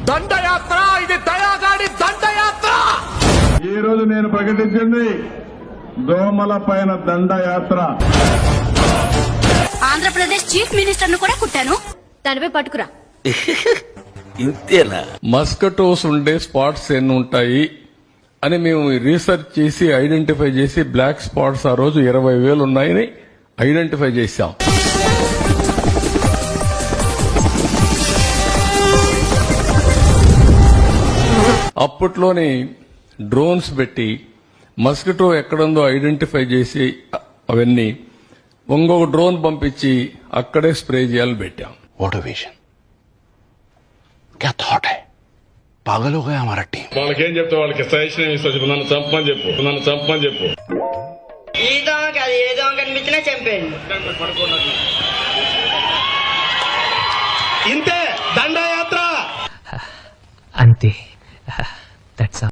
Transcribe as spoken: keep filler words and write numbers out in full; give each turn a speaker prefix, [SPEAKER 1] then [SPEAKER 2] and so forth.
[SPEAKER 1] దండయాత్ర, ఇది దయాగాడి దండయాత్ర.
[SPEAKER 2] ఈ రోజు నేను ప్రకటించింది దోమల పైన దండయాత్ర.
[SPEAKER 3] ఆంధ్రప్రదేశ్ చీఫ్ మినిస్టర్ ను కూడా కుట్టాను, దానిపై పట్టుకురా.
[SPEAKER 4] ఇంతేనా?
[SPEAKER 5] మస్కటోస్ ఉండే స్పాట్స్ ఎన్ని ఉంటాయి అని మేము రీసెర్చ్ చేసి ఐడెంటిఫై చేసి బ్లాక్ స్పాట్స్ ఆ రోజు ఇరవై వేలు ఉన్నాయని ఐడెంటిఫై చేశాం. అప్పట్లోని డ్రోన్స్ పెట్టి మస్కిటో ఎక్కడుందో ఐడెంటిఫై చేసి అవన్నీ ఇంకొక డ్రోన్ పంపించి అక్కడే స్ప్రే చేయాలని పెట్టాం.
[SPEAKER 6] What a vision. क्या थॉट है? पागल हो गया हमारा टीम.
[SPEAKER 2] వాళ్ళకేం చెప్తా, వాళ్ళకి సజెషన్ ఏమి ఇస్తా చెప్పు. నన్ను చంపని చెప్పు, నన్ను చంపని చెప్పు.
[SPEAKER 7] ఈ దోమ కాదు, ఏ దోమ కనిపించినా చంపేయండి.
[SPEAKER 2] ఇంతే దండయాత్ర.
[SPEAKER 8] అంతే. దట్స్